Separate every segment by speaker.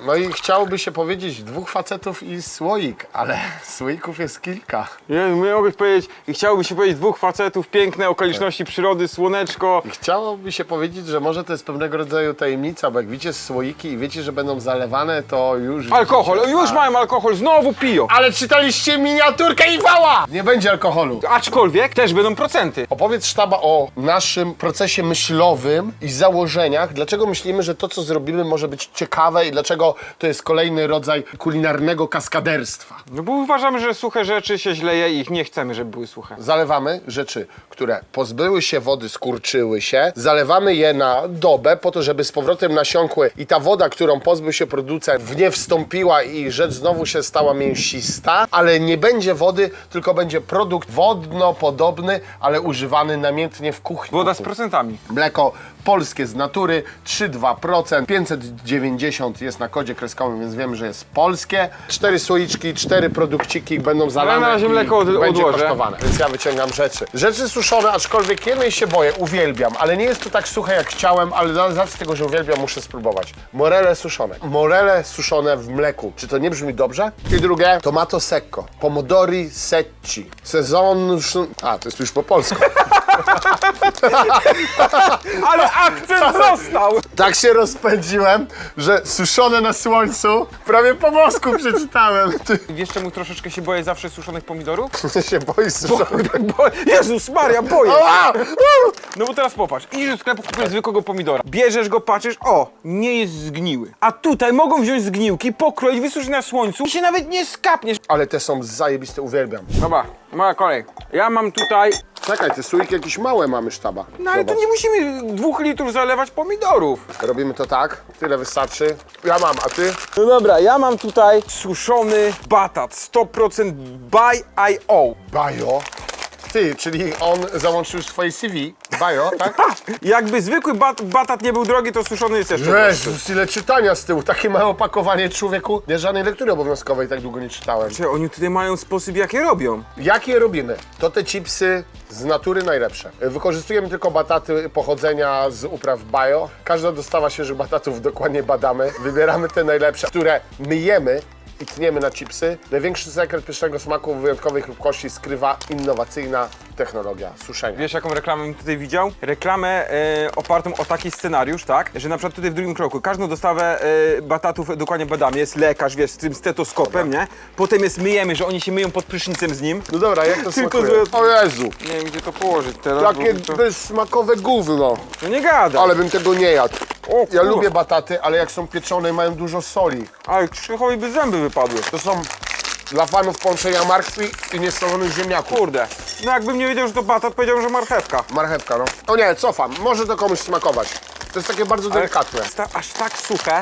Speaker 1: No i chciałoby się powiedzieć 2 facetów i słoik, ale słoików jest kilka.
Speaker 2: Nie, mogę powiedzieć, chciałoby się powiedzieć 2 facetów, piękne okoliczności przyrody, słoneczko.
Speaker 1: I chciałoby się powiedzieć, że może to jest pewnego rodzaju tajemnica, bo jak widzicie słoiki i wiecie, że będą zalewane, to już...
Speaker 2: Alkohol,
Speaker 1: widzicie,
Speaker 2: już mają alkohol, znowu piją.
Speaker 1: Ale czytaliście miniaturkę i wała! Nie będzie alkoholu.
Speaker 2: Aczkolwiek też będą procenty.
Speaker 1: Opowiedz sztaba o naszym procesie myślowym i założeniach. Dlaczego myślimy, że to, co zrobimy, może być ciekawe i dlaczego to jest kolejny rodzaj kulinarnego kaskaderstwa.
Speaker 2: No bo uważamy, że suche rzeczy się źle je i ich nie chcemy, żeby były suche.
Speaker 1: Zalewamy rzeczy, które pozbyły się wody, skurczyły się. Zalewamy je na dobę po to, żeby z powrotem nasiąkły i ta woda, którą pozbył się producent, w nie wstąpiła i rzecz znowu się stała mięsista, ale nie będzie wody, tylko będzie produkt wodno-podobny, ale używany namiętnie w kuchni.
Speaker 2: Woda z procentami.
Speaker 1: Mleko polskie z natury, 3,2%, 590 jest na kodzie kreskowym, więc wiemy, że jest polskie. 4 słoiczki, 4 produkciki będą zalane
Speaker 2: na razie
Speaker 1: i
Speaker 2: mleko
Speaker 1: będzie
Speaker 2: odłożę.
Speaker 1: kosztowane. Więc ja wyciągam rzeczy. Rzeczy suszone, aczkolwiek jednej się boję, uwielbiam, ale nie jest to tak suche jak chciałem, ale z racji tego, że uwielbiam, muszę spróbować. Morele suszone. Morele suszone w mleku. Czy to nie brzmi dobrze? I drugie, tomato secco. Pomodori secchi. Sezon... A, to jest już po polsku.
Speaker 2: Ale akcent został!
Speaker 1: Tak się rozpędziłem, że suszone na słońcu, prawie po włosku przeczytałem. Ty
Speaker 2: Wiesz czemu troszeczkę się boję zawsze suszonych pomidorów?
Speaker 1: się boisz suszonych.
Speaker 2: Jezus Maria, boję!
Speaker 1: Ała!
Speaker 2: No bo teraz popatrz, idziesz do sklepu, kupujesz zwykłego pomidora. Bierzesz go, patrzysz, o, nie jest zgniły. A tutaj mogą wziąć zgniłki, pokroić, wysuszyć na słońcu i się nawet nie skapniesz.
Speaker 1: Ale te są zajebiste, uwielbiam.
Speaker 2: Dobra, moja kolej. Ja mam tutaj...
Speaker 1: Czekaj, te słoiki jakieś małe mamy sztaba.
Speaker 2: No ale to
Speaker 1: Zobacz.
Speaker 2: nie musimy 2 litrów zalewać pomidorów.
Speaker 1: Robimy to tak, tyle wystarczy. Ja mam, a ty?
Speaker 2: No dobra, ja mam tutaj suszony batat 100% by IO.
Speaker 1: Bajo. Ty, czyli on załączył swoje CV. Bajo, tak?
Speaker 2: Jakby zwykły batat nie był drogi, to suszony jest jeszcze droższy.
Speaker 1: Jezus, ile czytania z tyłu. Takie małe opakowanie, człowieku. Ja żadnej lektury obowiązkowej tak długo nie czytałem.
Speaker 2: Czy oni tutaj mają sposób, jak je robią?
Speaker 1: Jak je robimy? To te chipsy z natury najlepsze. Wykorzystujemy tylko bataty pochodzenia z upraw bio. Każda dostawa świeżych batatów dokładnie badamy. Wybieramy te najlepsze, które myjemy i tniemy na chipsy. Największy sekret pysznego smaku wyjątkowej chrupkości skrywa innowacyjna technologia suszenia.
Speaker 2: Wiesz, jaką reklamę bym tutaj widział? Reklamę opartą o taki scenariusz, tak? Że na przykład tutaj w drugim kroku każdą dostawę batatów dokładnie badamy. Jest lekarz, wiesz, z tym stetoskopem, nie? Potem myjemy, że oni się myją pod prysznicem z nim.
Speaker 1: No dobra, jak to
Speaker 2: Tylko
Speaker 1: smakuje?
Speaker 2: z-
Speaker 1: O Jezu,
Speaker 2: Nie wiem, gdzie to położyć teraz.
Speaker 1: jakie
Speaker 2: bo to...
Speaker 1: bezsmakowe gówno.
Speaker 2: No nie gada.
Speaker 1: Ale bym tego nie jadł.
Speaker 2: O,
Speaker 1: Ja
Speaker 2: kurwa.
Speaker 1: lubię bataty, ale jak są pieczone mają dużo soli.
Speaker 2: Ale Krzychowi by zęby wypadły.
Speaker 1: To są dla fanów połączenia martwi i niesolonych ziemniaków.
Speaker 2: Kurde. No jakbym nie wiedział, że to batat, powiedziałbym, że marchewka.
Speaker 1: Marchewka, no. O nie, cofam. Może to komuś smakować. To jest takie bardzo delikatne.
Speaker 2: Jest aż tak suche.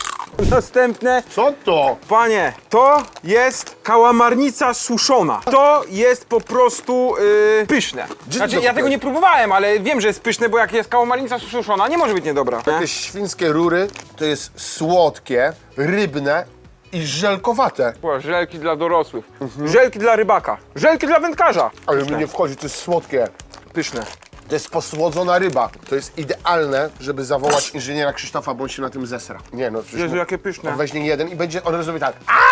Speaker 2: Następne.
Speaker 1: Co to?
Speaker 2: Panie, to jest kałamarnica suszona. To jest po prostu pyszne.
Speaker 1: Gdzie
Speaker 2: Znaczy,
Speaker 1: ty to
Speaker 2: ja tego
Speaker 1: kupiłeś?
Speaker 2: nie próbowałem, ale wiem, że jest pyszne, bo jak jest kałamarnica suszona, nie może być niedobra. Nie?
Speaker 1: Te świńskie rury to jest słodkie, rybne i żelkowate.
Speaker 2: Była żelki dla dorosłych, żelki dla rybaka, żelki dla wędkarza.
Speaker 1: Ale mi nie wchodzi, to jest słodkie.
Speaker 2: Pyszne.
Speaker 1: To jest posłodzona ryba. To jest idealne, żeby zawołać inżyniera Krzysztofa, bo on się na tym zesra. Nie no, przecież
Speaker 2: Jezu, jakie pyszne.
Speaker 1: on weźmie jeden i będzie, on zrobi tak.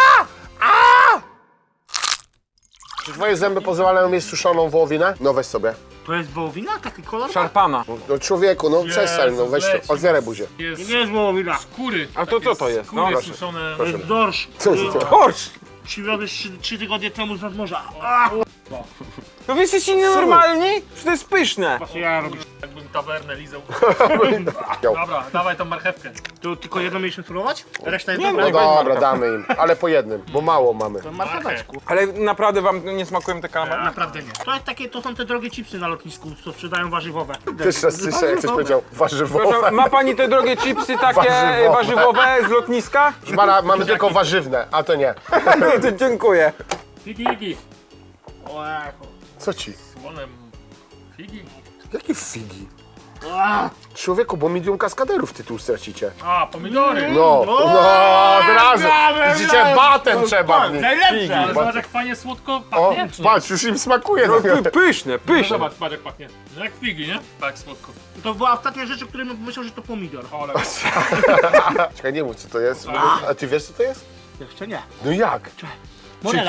Speaker 1: Czy twoje zęby pozwalają mieć suszoną wołowinę? No weź sobie.
Speaker 3: To jest wołowina? Taki kolor?
Speaker 2: Szarpana.
Speaker 1: No człowieku, no przestań, no weź
Speaker 3: leci.
Speaker 1: to, otwieraj buzię.
Speaker 3: Nie jest wołowina.
Speaker 4: Skóry.
Speaker 2: A to co to jest? No,
Speaker 4: Skóry
Speaker 2: proszę.
Speaker 4: suszone.
Speaker 3: To jest dorsz.
Speaker 1: Co jest to?
Speaker 2: Chodź!
Speaker 3: Przywiodę 3 tygodnie temu z nadmorza.
Speaker 2: No wy jesteście nienormalni? Że to jest pyszne.
Speaker 3: Właśnie ja robię.
Speaker 4: Jakbym tawernę lizał. Dobra, dawaj tą marchewkę.
Speaker 3: Tu tylko jedno mieliśmy spróbować? Reszta jest
Speaker 2: Nie,
Speaker 3: dobra.
Speaker 1: No dobra, damy im, ale po jednym, bo mało mamy.
Speaker 3: To marcheweczku.
Speaker 2: Ale naprawdę wam nie smakują te kalamary?
Speaker 3: Naprawdę nie. To jest takie, to są te drogie chipsy na lotnisku, co sprzedają warzywowe.
Speaker 1: Też raz słyszę, jak ktoś powiedział warzywowe.
Speaker 2: Proszę, ma pani te drogie chipsy takie
Speaker 1: Warzywowe.
Speaker 2: warzywowe z lotniska?
Speaker 1: Mara, mamy tylko warzywne, a to nie.
Speaker 2: No to dziękuję.
Speaker 4: Figi.
Speaker 3: O, echo.
Speaker 1: Co ci?
Speaker 4: Słonem. Figi.
Speaker 1: Jakie figi? Człowieku, bo milion kaskaderów tytuł stracicie.
Speaker 4: A, pomidory.
Speaker 1: No, od razu. Widzicie, batem trzeba w nich.
Speaker 3: Najlepsze!
Speaker 4: Ale zobacz jak fajnie słodko
Speaker 1: O,
Speaker 4: pachnie. czy nie?
Speaker 1: patrz, już im smakuje.
Speaker 2: No, pyszne,
Speaker 4: No
Speaker 2: pyszne.
Speaker 4: zobacz, patrz jak pachnie. Jak figi, nie? Tak słodko.
Speaker 3: To była ostatnia rzecz, o której myślał, że to pomidor.
Speaker 4: Ale
Speaker 1: Czekaj, nie mów co to jest. A ty wiesz co to jest?
Speaker 3: Jeszcze nie.
Speaker 1: No jak?
Speaker 3: Morela.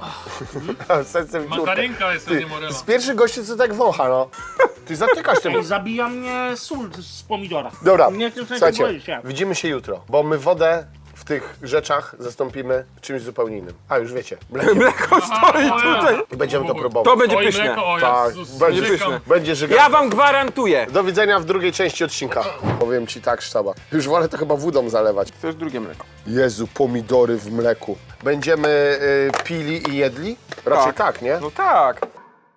Speaker 1: Sercem dziurkę.
Speaker 4: mandarynka jest, to nie morela.
Speaker 1: Z pierwszych gości co tak wącha, no. Ty zatykasz tym.
Speaker 3: Ej, zabija mnie sól z pomidora.
Speaker 1: Dobra,
Speaker 3: Nie chcę sobie
Speaker 1: słuchajcie,
Speaker 3: boić się.
Speaker 1: widzimy się jutro, bo my wodę w tych rzeczach zastąpimy czymś zupełnie innym. A, już wiecie,
Speaker 2: Mleko stoi tutaj.
Speaker 1: i będziemy to
Speaker 2: To
Speaker 1: próbować.
Speaker 2: będzie
Speaker 4: Oj,
Speaker 2: pyszne.
Speaker 4: mleko, o
Speaker 1: Tak,
Speaker 4: Jezus,
Speaker 1: będzie
Speaker 4: żygam.
Speaker 2: pyszne.
Speaker 1: Będzie żyga.
Speaker 2: Ja wam gwarantuję.
Speaker 1: Do widzenia w drugiej części odcinka. Powiem ci tak, sztaba. Już wolę to chyba wodą zalewać.
Speaker 2: To jest drugie mleko.
Speaker 1: Jezu, pomidory w mleku. Będziemy pili i jedli? Raczej tak, nie?
Speaker 2: No tak.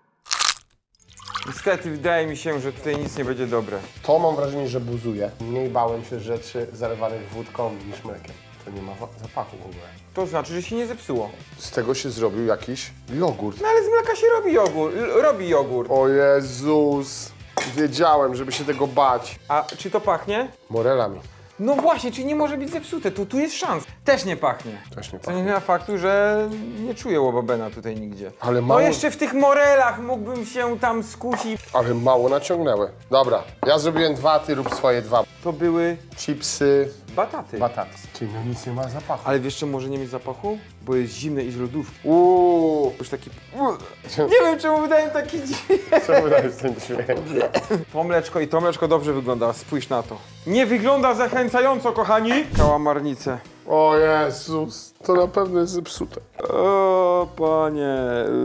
Speaker 2: Niestety wydaje mi się, że tutaj nic nie będzie dobre.
Speaker 1: To mam wrażenie, że buzuje. Mniej bałem się rzeczy zalewanych wódką niż mlekiem. To nie ma zapachu w ogóle.
Speaker 2: To znaczy, że się nie zepsuło.
Speaker 1: Z tego się zrobił jakiś jogurt.
Speaker 2: No ale z mleka się robi jogurt.
Speaker 1: O Jezus. Wiedziałem, żeby się tego bać.
Speaker 2: A czy to pachnie?
Speaker 1: Morelami.
Speaker 2: No właśnie, czyli nie może być zepsute, to tu jest szans. Też nie pachnie.
Speaker 1: Też nie
Speaker 2: To
Speaker 1: pachnie.
Speaker 2: nie zmienia faktu, że nie czuję łobabena tutaj nigdzie.
Speaker 1: Ale
Speaker 2: No
Speaker 1: mało,
Speaker 2: jeszcze w tych morelach mógłbym się tam skusić.
Speaker 1: ale mało naciągnęły. Dobra, ja zrobiłem 2, ty rób swoje 2.
Speaker 2: To były
Speaker 1: Chipsy,
Speaker 2: bataty.
Speaker 1: bataty. Ty, no nic nie ma zapachu.
Speaker 2: Ale wiesz, czemu może nie mieć zapachu? Bo jest zimne i z lodówki. Już taki... Nie wiem, czemu wydaje mi taki dźwięk.
Speaker 1: Co wydajesz z tym dźwiękiem?
Speaker 2: To mleczko dobrze wygląda, spójrz na to. Nie wygląda zachęcająco, kochani. Kałamarnice.
Speaker 1: O Jezus, to na pewno jest zepsute.
Speaker 2: O, panie.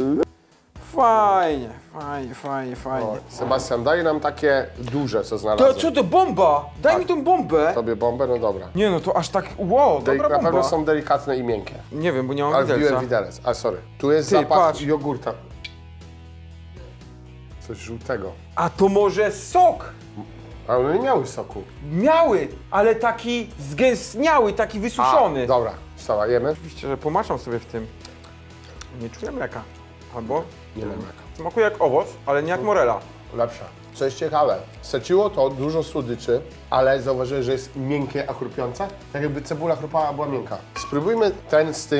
Speaker 2: Fajnie, fajnie.
Speaker 1: Sebastian, daj nam takie duże, co
Speaker 2: To
Speaker 1: znalazłem.
Speaker 2: co to, bomba? Daj mi tą bombę.
Speaker 1: Tobie bombę? No dobra.
Speaker 2: Nie no, to aż tak, wow, dobra
Speaker 1: Na pewno
Speaker 2: bomba.
Speaker 1: są delikatne i miękkie.
Speaker 2: Nie wiem, bo nie mam
Speaker 1: Ale
Speaker 2: widelca.
Speaker 1: wbiłem widelec. A sorry. Tu jest
Speaker 2: Ty,
Speaker 1: zapach
Speaker 2: patrz.
Speaker 1: jogurta. Coś żółtego.
Speaker 2: A to może sok?
Speaker 1: Ale one nie miały soku.
Speaker 2: Miały, ale taki zgęstniały, taki wysuszony.
Speaker 1: Dobra, wstała, jemy?
Speaker 2: Oczywiście, że pomaczam sobie w tym. Nie czuję mleka. Albo
Speaker 1: Nie wiem jaka.
Speaker 2: smakuje jak owoc, ale nie jak morela.
Speaker 1: Lepsza. Co jest ciekawe, seciło to dużo słodyczy, ale zauważyłeś, że jest miękkie, a chrupiące? Tak jakby cebula chrupała, a była miękka. Spróbujmy ten z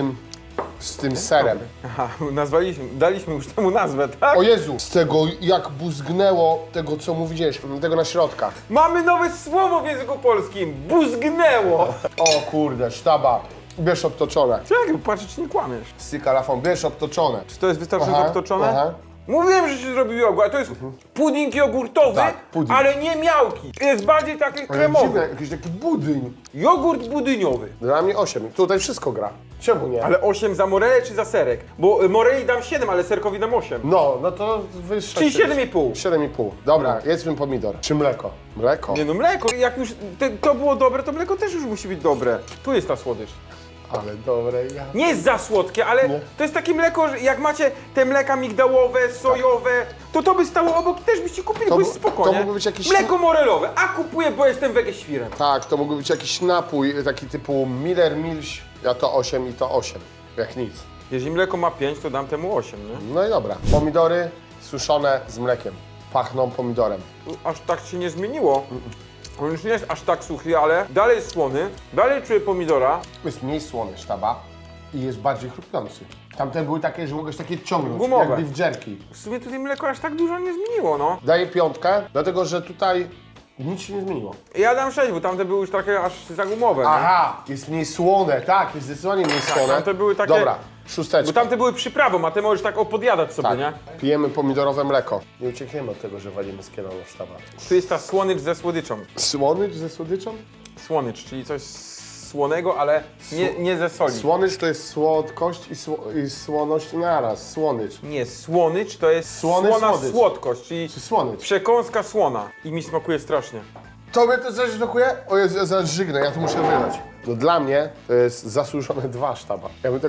Speaker 1: tym serem.
Speaker 2: Aha, daliśmy już temu nazwę, tak?
Speaker 1: O Jezu, z tego jak buzgnęło tego, co mówiłeś, tego na środkach.
Speaker 2: Mamy nowe słowo w języku polskim. Buzgnęło.
Speaker 1: O kurde, sztaba. Bierz obtoczone.
Speaker 2: Czekaj, patrzę, czy nie kłamiesz.
Speaker 1: Z kalafą, bierz obtoczone.
Speaker 2: Czy to jest wystarczająco obtoczone?
Speaker 1: Aha.
Speaker 2: Mówiłem, że się zrobił jogurt, a to jest pudding jogurtowy,
Speaker 1: Tak, pudding.
Speaker 2: ale nie miałki. Jest bardziej taki
Speaker 1: Ale
Speaker 2: kremowy.
Speaker 1: dziwne, jakiś taki budyń.
Speaker 2: Jogurt budyniowy.
Speaker 1: Dla mnie 8. Tutaj wszystko gra. Czemu nie?
Speaker 2: Ale 8 za morelę czy za serek? Bo moreli dam 7, ale serkowi dam 8.
Speaker 1: No to wyższe.
Speaker 2: Czyli 7,5.
Speaker 1: 7,5. Dobra, jedzmy pomidor. Czy mleko? Mleko.
Speaker 2: Nie no, mleko, jak już to było dobre, to mleko też już musi być dobre. Tu jest ta słodycz.
Speaker 1: Ale dobre ja.
Speaker 2: Nie jest za słodkie, ale
Speaker 1: Nie.
Speaker 2: to jest takie mleko, że jak macie te mleka migdałowe, sojowe, to by stało obok i też byście kupili,
Speaker 1: To
Speaker 2: bo jest
Speaker 1: bu-
Speaker 2: spoko,
Speaker 1: to
Speaker 2: nie?
Speaker 1: mógłby być jakiś-
Speaker 2: Mleko morelowe, a kupuję, bo jestem wegeświrem.
Speaker 1: Tak, to mógłby być jakiś napój, taki typu Miller Milch. Ja to 8 i to 8. Jak nic.
Speaker 2: Jeżeli mleko ma 5, to dam temu 8, nie?
Speaker 1: No i dobra. Pomidory suszone z mlekiem. Pachną pomidorem.
Speaker 2: Aż tak się nie zmieniło. On już nie jest aż tak suchy, ale dalej jest słony, dalej czuję pomidora.
Speaker 1: Jest mniej słony sztaba i jest bardziej chrupiący. Tamte były takie, że mogłeś takie ciągnąć,
Speaker 2: Gumowe.
Speaker 1: jak beef jerky.
Speaker 2: W sumie tutaj mleko aż tak dużo nie zmieniło, no.
Speaker 1: Daję 5, dlatego że tutaj nic się nie zmieniło.
Speaker 2: Ja dam 6, bo tamte były już takie aż za gumowe, nie?
Speaker 1: Aha, jest mniej słone, tak, jest zdecydowanie mniej słone.
Speaker 2: tamte były takie-
Speaker 1: Dobra,
Speaker 2: Bo
Speaker 1: szósteczka.
Speaker 2: tamte były przyprawą, a te możesz tak opodjadać sobie,
Speaker 1: Tak,
Speaker 2: nie?
Speaker 1: pijemy pomidorowe mleko. Nie uciekniemy od tego, że walimy z kielonu w sztaba.
Speaker 2: Tu jest ta słonycz ze słodyczą.
Speaker 1: Słonycz ze słodyczą?
Speaker 2: Słonycz, czyli coś słonego, ale nie ze soli.
Speaker 1: Słonycz to jest słodkość i słoność naraz. Słonycz.
Speaker 2: Nie, słonycz to jest
Speaker 1: Słony
Speaker 2: słona
Speaker 1: słodycz.
Speaker 2: słodkość, czyli
Speaker 1: Czy słonycz?
Speaker 2: przekąska słona. I mi smakuje strasznie.
Speaker 1: Tobie to coś smakuje? O Jezu, ja zaraz żygnę, ja to muszę wylać. No dla mnie to jest zasłużone 2 sztaba.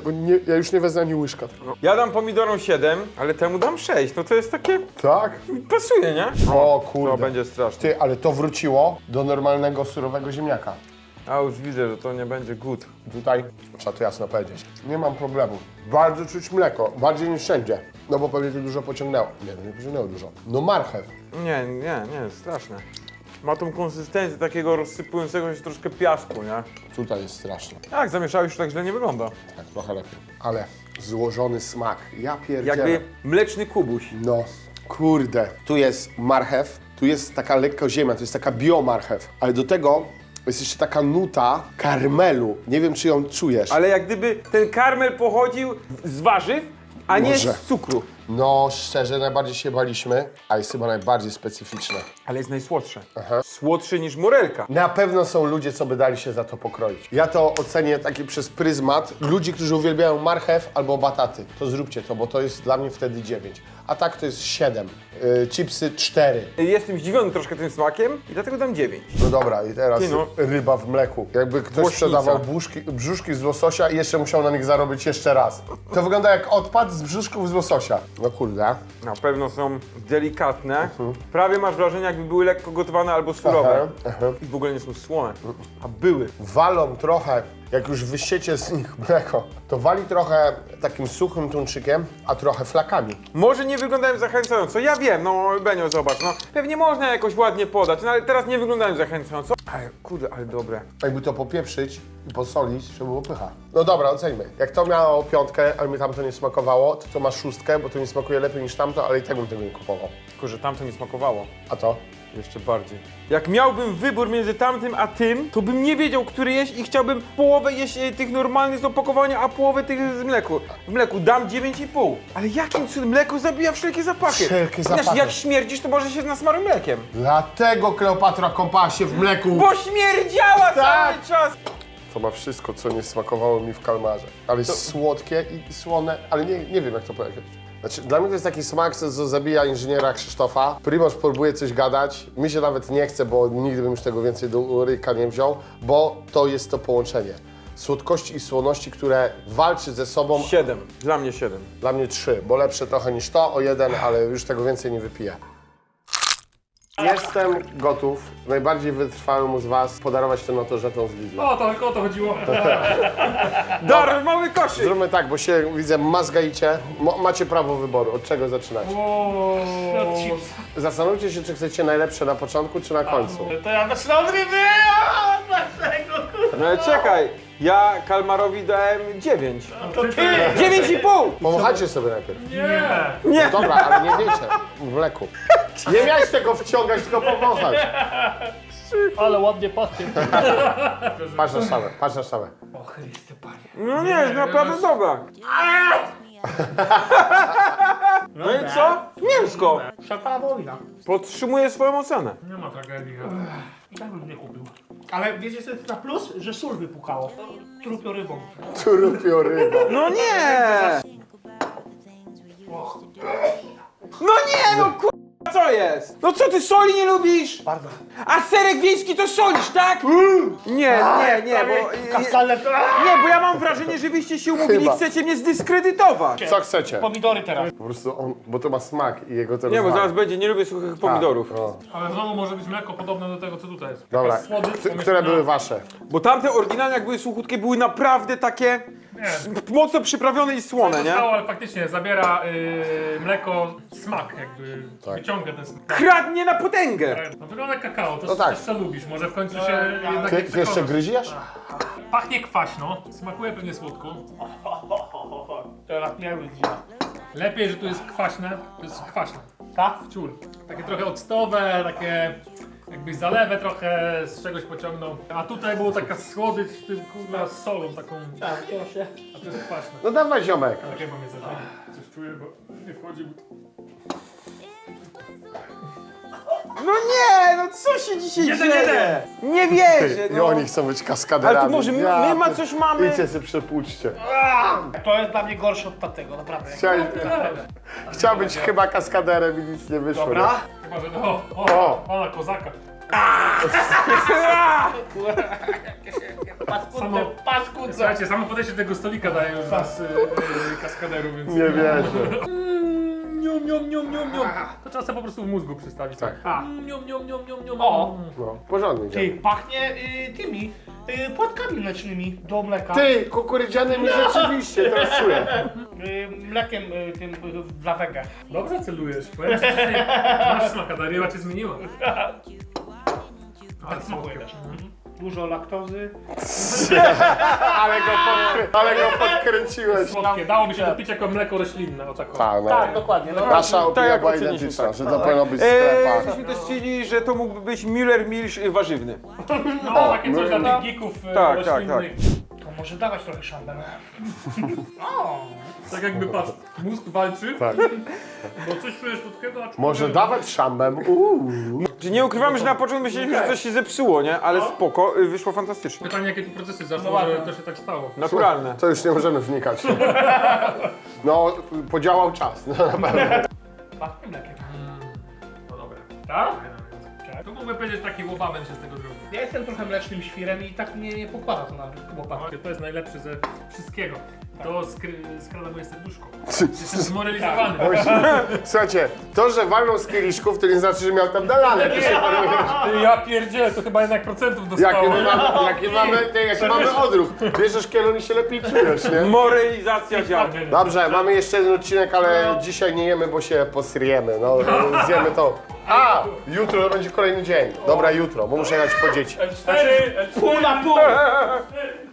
Speaker 1: Ja już nie wezmę ani łyżka.
Speaker 2: Ja dam pomidorom 7, ale temu dam 6. No to jest takie...
Speaker 1: Tak?
Speaker 2: pasuje, nie?
Speaker 1: O
Speaker 2: To
Speaker 1: kurde.
Speaker 2: będzie straszne.
Speaker 1: Ty, ale to wróciło do normalnego, surowego ziemniaka.
Speaker 2: A już widzę, że to nie będzie good.
Speaker 1: Tutaj trzeba to jasno powiedzieć. Nie mam problemu. Bardzo czuć mleko, bardziej niż wszędzie. No bo pewnie to dużo pociągnęło. Nie, to nie pociągnęło dużo. No marchew.
Speaker 2: Nie, straszne. Ma tą konsystencję takiego rozsypującego się troszkę piasku, nie?
Speaker 1: Tutaj jest straszne.
Speaker 2: Tak, zamieszałeś, już tak źle nie wygląda.
Speaker 1: Tak, trochę lepiej. Ale złożony smak. Ja pierdzielę.
Speaker 2: Jakby mleczny kubuś.
Speaker 1: No, kurde. Tu jest marchew, tu jest taka lekko ziemia, to jest taka biomarchew. Ale do tego jest jeszcze taka nuta karmelu. Nie wiem, czy ją czujesz.
Speaker 2: Ale jak gdyby ten karmel pochodził z warzyw, a nie
Speaker 1: Może.
Speaker 2: z cukru.
Speaker 1: No, szczerze, najbardziej się baliśmy, a jest chyba najbardziej specyficzne.
Speaker 2: Ale jest najsłodsze.
Speaker 1: Aha.
Speaker 2: Słodszy niż morelka.
Speaker 1: Na pewno są ludzie, co by dali się za to pokroić. Ja to ocenię taki przez pryzmat ludzi, którzy uwielbiają marchew albo bataty. To zróbcie to, bo to jest dla mnie wtedy 9. A tak to jest 7. Chipsy 4.
Speaker 2: Jestem zdziwiony troszkę tym smakiem i dlatego dam 9.
Speaker 1: No dobra, i teraz
Speaker 2: Ty no.
Speaker 1: ryba w mleku. Jakby ktoś
Speaker 2: Włośnica.
Speaker 1: sprzedawał brzuszki z łososia i jeszcze musiał na nich zarobić jeszcze raz. To wygląda jak odpad z brzuszków z łososia. No kurde.
Speaker 2: Na pewno są delikatne. Prawie masz wrażenie, jakby były lekko gotowane albo surowe. I w ogóle nie są słone. A były.
Speaker 1: Walą trochę, jak już wysiecie z nich mleko, to wali trochę takim suchym tuńczykiem, a trochę flakami.
Speaker 2: Może nie wyglądają zachęcająco. Ja wiem, no Benio, zobacz, no. Pewnie można jakoś ładnie podać, no ale teraz nie wyglądają zachęcająco. Ale kurde, ale dobre.
Speaker 1: Jakby to popieprzyć i posolić, żeby było pycha. No dobra, oceńmy. Jak to miało 5, ale mi tamto nie smakowało, to ma 6, bo to mi smakuje lepiej niż tamto, ale i tak bym tego nie kupował.
Speaker 2: Tylko, że tamto mi smakowało.
Speaker 1: A to?
Speaker 2: Jeszcze bardziej. Jak miałbym wybór między tamtym a tym, to bym nie wiedział, który jeść i chciałbym połowę jeść tych normalnych z opakowania, a połowę tych z mleku. W mleku dam 9,5. Ale jakim cudem mleko zabija wszelkie zapachy?
Speaker 1: Wszelkie
Speaker 2: Znaczy,
Speaker 1: zapachy.
Speaker 2: jak śmierdzisz, to może się nasmaruj mlekiem.
Speaker 1: Dlatego Kleopatra kąpała się w mleku.
Speaker 2: Bo śmierdziała
Speaker 1: Tak.
Speaker 2: cały czas!
Speaker 1: To ma wszystko, co nie smakowało mi w kalmarze. Ale jest słodkie i słone, ale nie wiem, jak to powiedzieć. Znaczy, dla mnie to jest taki smak, co zabija inżyniera Krzysztofa. Primoż próbuje coś gadać. Mi się nawet nie chce, bo nigdy bym już tego więcej do ryka nie wziął, bo to jest to połączenie słodkości i słoności, które walczy ze sobą.
Speaker 2: 7. Dla mnie 7.
Speaker 1: Dla mnie 3, bo lepsze trochę niż to, o 1, ale już tego więcej nie wypiję. Jestem gotów, najbardziej wytrwałemu z was, podarować tę notożetą z Lidla.
Speaker 4: O, to tylko o to chodziło.
Speaker 2: Darmowy koszyk!
Speaker 1: Zróbmy tak, bo się, widzę, mazgajcie. Macie prawo wyboru, od czego zaczynać.
Speaker 3: Od chips.
Speaker 1: Zastanówcie się, czy chcecie najlepsze na początku, czy na końcu.
Speaker 3: To ja zaczynam od ryby! Dlaczego?
Speaker 2: No ale czekaj, ja Kalmarowi dałem 9.
Speaker 3: To ty!
Speaker 2: 9,5!
Speaker 1: Pomachajcie sobie najpierw.
Speaker 4: Nie.
Speaker 2: Nie!
Speaker 1: No dobra, ale nie wiecie, w mleku. Nie miałeś tego wciągać, tylko powąchać.
Speaker 3: Ale ładnie pachnie.
Speaker 1: Patrz na szamę, patrz na szamę.
Speaker 3: O Chryste Panie.
Speaker 2: No nie, jest naprawdę dobra. No i co? Mięsko.
Speaker 3: Szapala wojna.
Speaker 2: Podtrzymuję swoją ocenę.
Speaker 4: Nie ma tragedii.
Speaker 3: I tak bym nie kupił. Ale wiecie co jest na plus? Że sól wypukało. Trupio rybą.
Speaker 1: Trupio ryba.
Speaker 2: No nie! No nie, no co jest? No co ty soli nie lubisz?
Speaker 3: Bardzo.
Speaker 2: A serek wiejski to solisz, tak? Nie, bo...
Speaker 3: Kaskalne to...
Speaker 2: Nie, bo ja mam wrażenie, że wyście się umówili i
Speaker 1: Chyba.
Speaker 2: chcecie mnie zdyskredytować.
Speaker 1: Co chcecie?
Speaker 3: Pomidory teraz.
Speaker 1: Po prostu on, bo to ma smak i jego to
Speaker 2: Nie, bo
Speaker 1: rozwala.
Speaker 2: zaraz będzie, nie lubię suchych pomidorów.
Speaker 1: No.
Speaker 4: Ale znowu może być mleko podobne do tego, co tutaj jest.
Speaker 1: Dobra,
Speaker 4: Jakaś słodycz,
Speaker 1: które były wasze?
Speaker 2: Bo tamte oryginalne, jak były suchutkie, były naprawdę takie mocno przyprawione i słone, nie?
Speaker 4: Zostało, ale faktycznie zabiera mleko smak, jakby
Speaker 1: Tak.
Speaker 4: wyciąga ten smak.
Speaker 2: Kradnie na potęgę.
Speaker 4: No wygląda jak kakao, to
Speaker 1: No tak.
Speaker 4: też co lubisz, może w końcu się jednak
Speaker 1: Ty
Speaker 4: nie
Speaker 1: jeszcze
Speaker 4: przekonasz.
Speaker 1: gryziesz?
Speaker 4: Pachnie kwaśno, smakuje pewnie słodko.
Speaker 3: Teraz nie być.
Speaker 4: Lepiej, że tu jest kwaśne, to jest kwaśne.
Speaker 3: Tak?
Speaker 4: Ciul. Takie trochę octowe, takie jakbyś zalewę trochę z czegoś pociągnął. A tutaj było taka słodycz z tym kurwa z solą taką,
Speaker 3: Tak, to się...
Speaker 4: a to jest kwaśne.
Speaker 1: No dawaj, ziomek.
Speaker 4: Takie mam jedzenie. Coś czuję, bo nie wchodzi.
Speaker 2: No nie, no co się dzisiaj
Speaker 4: Jeden,
Speaker 2: dzieje?
Speaker 4: jeden.
Speaker 2: Nie wierzę,
Speaker 1: I
Speaker 2: no.
Speaker 1: oni chcą być kaskaderami.
Speaker 2: Ale to może my ma coś mamy?
Speaker 1: Idźcie sobie przepłuczcie.
Speaker 3: To jest dla mnie gorsze od tamtego, naprawdę.
Speaker 1: Chciał być chyba kaskaderem i nic nie wyszło.
Speaker 3: Dobra.
Speaker 4: Chyba, że
Speaker 1: O.
Speaker 4: o, kozaka.
Speaker 3: Paskudne, paskudne.
Speaker 4: Słuchajcie, samo podejście do tego stolika daje już nas kaskaderów, więc...
Speaker 1: Nie wierzę.
Speaker 4: Nium, nium, nium, nium, nium. To trzeba sobie po prostu w mózgu przystawić.
Speaker 1: Tak.
Speaker 4: Nium, nium, nium, nium, nium.
Speaker 3: O.
Speaker 1: No, porządnie
Speaker 3: Ty,
Speaker 1: działa.
Speaker 3: pachnie tymi płatkami mlecznymi do mleka.
Speaker 1: Ty, kukurydzianymi rzeczywiście, teraz czuję.
Speaker 3: Mlekiem tym dla wege.
Speaker 4: Dobrze celujesz. Powiem ci, że masz smaka, ta ryba cię zmieniła.
Speaker 3: Tak smakuje też. Dużo laktozy.
Speaker 1: Ale go podkręciłeś.
Speaker 4: Słodkie. Dałoby się to pić jako mleko roślinne, o tak.
Speaker 1: Tak, no.
Speaker 3: Tak, dokładnie.
Speaker 1: Nasza opinia
Speaker 2: jak
Speaker 1: była
Speaker 2: oceniśmy,
Speaker 1: identyczna,
Speaker 2: tak.
Speaker 1: że to powinno być w sklepach.
Speaker 2: Myśmy też chcieli, że to mógłby być Müller Milch warzywny.
Speaker 4: No, takie coś dla tych geeków
Speaker 2: tak,
Speaker 4: roślinnych.
Speaker 3: To może dawać trochę szambel.
Speaker 4: Tak jakby patrz, mózg walczy,
Speaker 1: Tak.
Speaker 4: bo coś czujesz słodkiego, a
Speaker 1: Może dawać szambem.
Speaker 2: Czyli nie ukrywamy, że na początku myśleliśmy, że coś się zepsuło, nie? Ale spoko, wyszło fantastycznie.
Speaker 4: Pytanie, jakie tu procesy zaszły,
Speaker 3: No
Speaker 4: że
Speaker 3: ładnie.
Speaker 4: to się tak stało.
Speaker 2: Naturalne.
Speaker 1: To już nie możemy wnikać. No, podziałał czas. No, na pewno.
Speaker 3: Pachnie mlekiem.
Speaker 4: No dobra.
Speaker 3: Tak?
Speaker 4: Tu mógłbym powiedzieć, taki łobawem się z tego zrobił.
Speaker 3: Ja jestem trochę mlecznym świrem i tak mnie nie pokłada to na łopatkę.
Speaker 4: To jest najlepszy ze wszystkiego. To skrada moje serduszko. Jestem zmoralizowany.
Speaker 1: Słuchajcie, to, że walną z kieliszków, to nie znaczy, że miał tam dalane.
Speaker 4: Ja pierdzielę, to chyba jednak procentów dostało.
Speaker 1: Jaki mamy odruch. Bierzesz kielon i się lepiej czujesz, nie?
Speaker 2: Moralizacja działa.
Speaker 1: Dobrze, mamy jeszcze jeden odcinek, ale dzisiaj nie jemy, bo się posryjemy. No, zjemy to. A! Jutro będzie kolejny dzień. Dobra, jutro, bo muszę jechać po dzieci.
Speaker 4: L4,
Speaker 3: Pół na pół!